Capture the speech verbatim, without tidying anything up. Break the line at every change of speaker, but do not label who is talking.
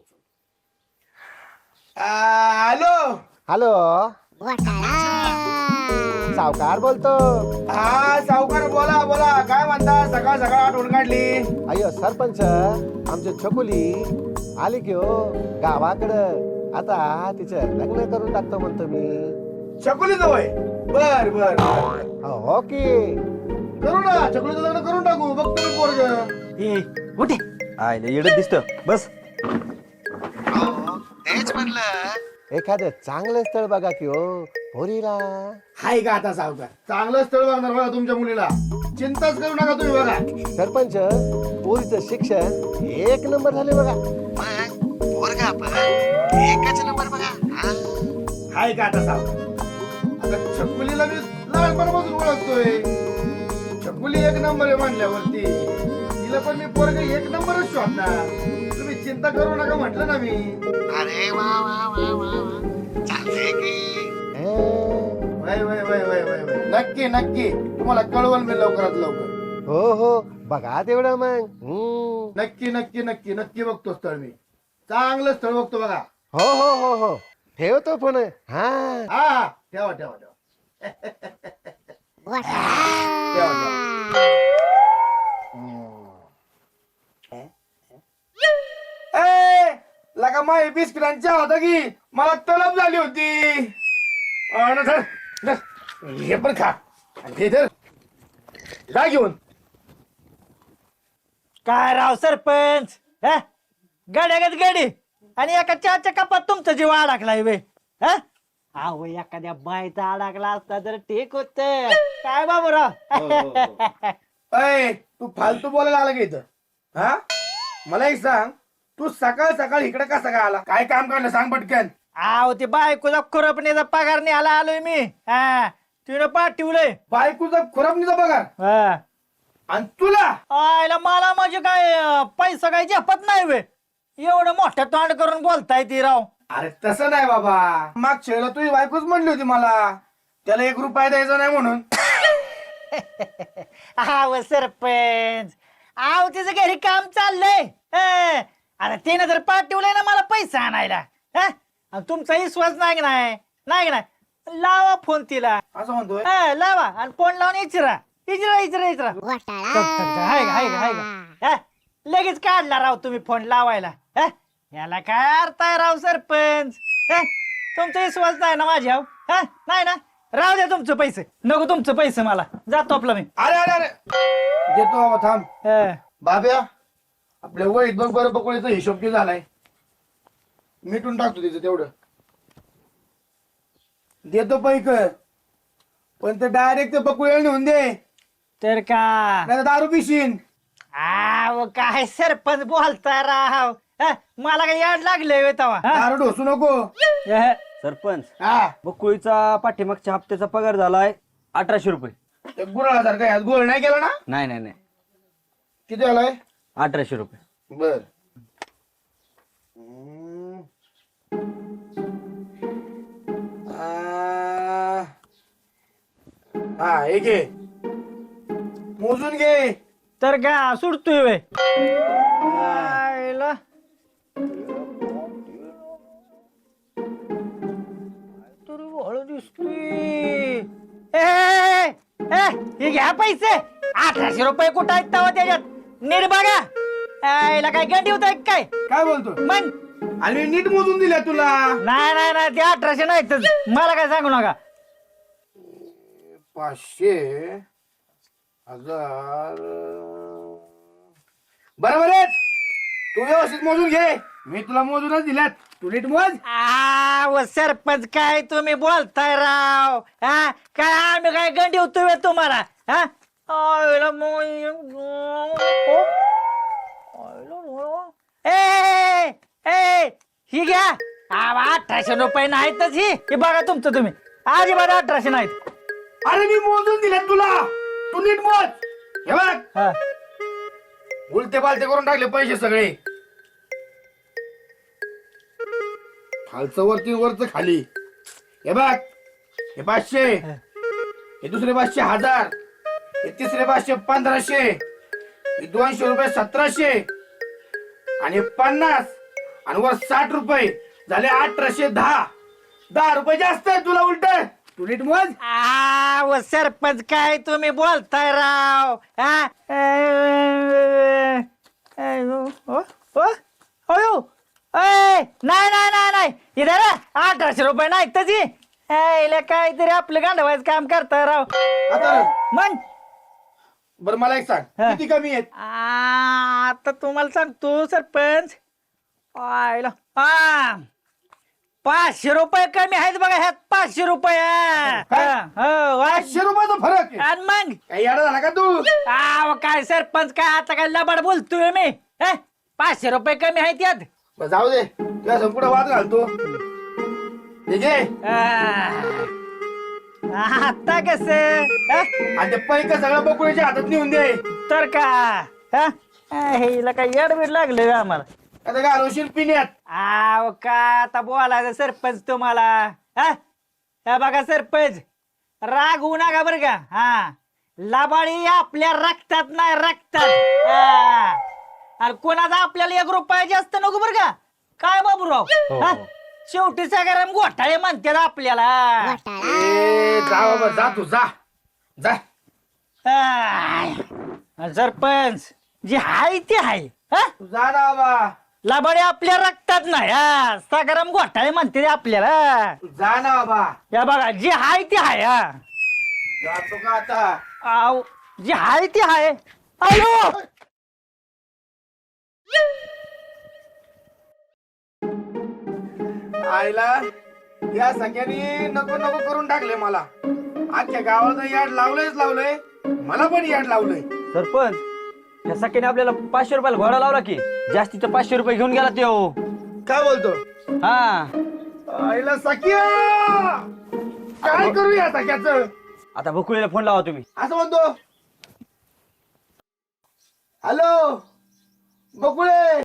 Hello
hello सावकार बोलतो.
हा सावकार बोला बोला काय म्हणता सकाळ सकाळ आठवण काढली.
अयो सरपंच आमची छकुली आली की हो गावाकडं. आता तिचं लग्न करून टाकतो म्हणतो मी.
छकुली जवळ बर बर
हो की
करू ना छकुलीचं लग्न करून टाकू. बघतो मी पोरग
कुठे आयले येडत दिसत बस.
तेच म्हणलं एखादं चांगलं स्थळ बघा की हो पोरीला.
हाय का आता सावकार चांगलं स्थळ बघणार बघा तुमच्या मुलीला. चिंताच करू नका तुम्ही बघा.
सरपंच पोरीचं शिक्षण एक नंबर झाले बघा. पोरगा पण एकच नंबर बघा.
हाय का आता सावकार आता छकुलीला मी लहानपणापासून ओळखतोय. छकुली एक नंबर आहे म्हणल्यावरती तिला पण मी पोरग एक नंबरच शोधणार. तुम्ही चिंता करू नका म्हटलं ना मी.
अरे वा वा वा वा चालतंय की.
वय वय वय वय वय वय नक्की नक्की तुम्हाला कळवल मी लवकरात लवकर.
हो हो बघा तेवढं मग. हम्म.
नक्की नक्की नक्की नक्की बघतो स्थळ मी. चांगलं स्थळ बघतो बघा.
हो हो हो हो ठेवतो फोन. हा
हा हा ठेवा ठेवा ठेवा ठेवा ठेवा. ए लगा माय बिस्किटांच्या होता की मला तलब झाली होती. अन धर, धर. हे पण खा आणि हे धर जा घेऊन.
काय राव सरपंच हा गाड्यागत गाडी आणि एका चहाच्या कपात तुमचा जीव अडकलाय वे. हा अहो एखाद्या बायचा अडकला असता तर ठीक होत. काय बाबूराव
अय तू फालतू बोलायला आला का इथं. हा मला एक सांग तू सकाळ सकाळ इकडे कसा काय आला. काय काम काढलं सांग पटकन.
आहो ते बायकोचा खुरपणीचा पगार नाही आला आलोय मी. हा तिनं पाठवलंय.
बायकोचा खुरापणीचा पगार
हा
आणि तुला
आयला मला म्हणजे काय अं, पैसा काय झेपत नाही वे. एवढं मोठं तोंड करून बोलताय ती राव.
अरे तसं नाही बाबा. मागच्या वेळेला तुझी बायकोच म्हणली होती मला त्याला एक रुपया द्यायचा नाही म्हणून.
आव सरपंच आव तिचं घरी काम चाललंय. हं. आता तिनं जर पाठवलंय ना मला पैसा आणायला. हं? आणि तुमचा विश्वास नाही का नाही नाही का नाही लावा फोन तिला.
असं म्हणतोय.
हं, लावा आणि फोन लावून इचरा इचरा इचरा इचरा. हाय का हाय का हाय का हं? लगेच काढला राव तुम्ही फोन लावायला. हं? याला काय अर्थ आहे राव सरपंच. हं? तुमचा विश्वास नाही ना माझ्या. हं? नाही ना राहू द्या तुमचं पैसे. नको तुमचं पैसे मला जातो आपलं मी.
अरे अरे अरे देतो बाबा थांब.
हं.
बाब्या आपल्या वळीत बघ बरं बकुळीचा हिशोब किती झालाय. मिटून टाकतो तिचं तेवढं. देतो पैक पण ते डायरेक्ट ते बकुळीला नेऊन दे
तर का
नाही दारू पिशीन.
आव काय सरपंच बोलताय राव. हं? मला काय याड लागले तवा.
दारू ढोसू नको.
सरपंच
हा
बकुळीचा पाठीमागच्या हप्त्याचा पगार झालाय अठराशे रुपये.
ते गुराळासारखा यात गोळ नाही केला ना.
नाही नाही नाही
किती झालाय.
अठराशे रुपये.
बर हा हे घे मोजून घे.
तर का सुटतोय वे. आयला. तरी हळू दिसतोय. ए, ए, ए, हे घ्या पैसे. अठराशे रुपये कुठं आहेत तवा त्याच्यात नीट बघा. आयला काय गंडी होत काय
काय बोलतो
मग.
आणि नीट मोजून दिल्या तुला.
नाही नाही नाही ते अठराशे नाही तर मला काय सांगू नका.
पाचशे हजार बरोबर आहे. तू व्यवस्थित मोजून घे. मी तुला मोजूनच दिल्यात. तू नीट मोज.
आव सरपंच काय तुम्ही बोलताय राव. हा काय आम्ही काय गंडी होतोय तुम्हाला. हा आयला मो- ए ए ही घ्या. आव, अठराशे रुपये नाहीतच ही ही बघा तुमचं तुम्ही. अजिबात अठराशे नाहीत.
अरे मी मोजून दिल्यात तुला. तू नीट मोज. हे बघ
हा.
उलटे पालते करून टाकले पैसे सगळे. खालचं वरती वरच खाली. हे बघ हे पाचशे हे दुसरे पाचशे हजार हे तिसरे पाचशे पंधराशे हे दोनशे रुपये सतराशे आणि पन्नास आणि वर साठ रुपये झाले अठराशे दहा. दहा रुपये जास्त आहे तुला उलट. तू नीट मोज.
आ, व सरपंच काय तुम्ही बोलताय राव हा? अ, अ, ओ, ओ, अयो, अय, नाही नाही नाही नाही इधर अठराशे रुपये नाही तशी काहीतरी आपलं गांडवायचं काम करताय राव.
आता
मग
बरं मला एक सांग
हा.
किती कमी आहेत.
आ, आता तुम्हाला सांगतो सरपंच आयला हा पाचशे रुपये कमी आहेत बघा ह्यात पाचशे रुपये
काय?
हा, हो, वाच.
पाचशे रुपयाचा फरक आहे.
आणि मग
काही येडा झाला का तू.
आव काय सरपंच काय आता काय लबाड बोलतोय मी हे? पाचशे रुपये कमी आहेत यात
बरं, जाऊ दे तुला संपूर्ण वाद घालतो. ठीक आहे.
आ, आता कस
आणि ते पैक सगळं बकुळीच्या हातात नेऊन दे.
तर का हा? आ, हिला काय येडबीड लागलं बे आम्हाला.
आता घालवशील पिण्यात.
आव का आता बोलायचं सरपंच तुम्हाला हा? हे बघा सरपंच राग होऊ नका बरं का हा लबाडी आपल्या रक्तात नाही रक्तात हा. आणि कोणाचा आपल्याला एक रुपया जास्त नको बरं का काय बाबूराव हा? शेवटी सगळ्या घोटाळे म्हणतात आपल्याला
ए, जा बाबा जा तू जा जा.
आय. सरपंच जे हाय ते हाय हा?
तू जा ना बाबा.
लबाडी आपल्या रक्तात नाही हा सगळ्या घोटाळे म्हणते ते आपल्याला
तू जा ना बाबा.
या बघा जे हाय ते हाय हा
जातो का आता.
आव जे हाय ते हाय आयो
आईला या सगळ्यांनी नको नको करून टाकले मला. अख्ख्या गावाला याड लावलंयच लावलंय. मला पण याड लावलंय.
सरपंच या सख्याने आपल्याला पाचशे रुपयाला घोडा लावला की जास्तीचं पाचशे रुपये घेऊन गेला तो.
काय बोलतो.
हा
आईला सख्या काय करू या सख्याचं.
आता बकुळीला फोन लावा तुम्ही.
असं म्हणतो. हॅलो बकुळे.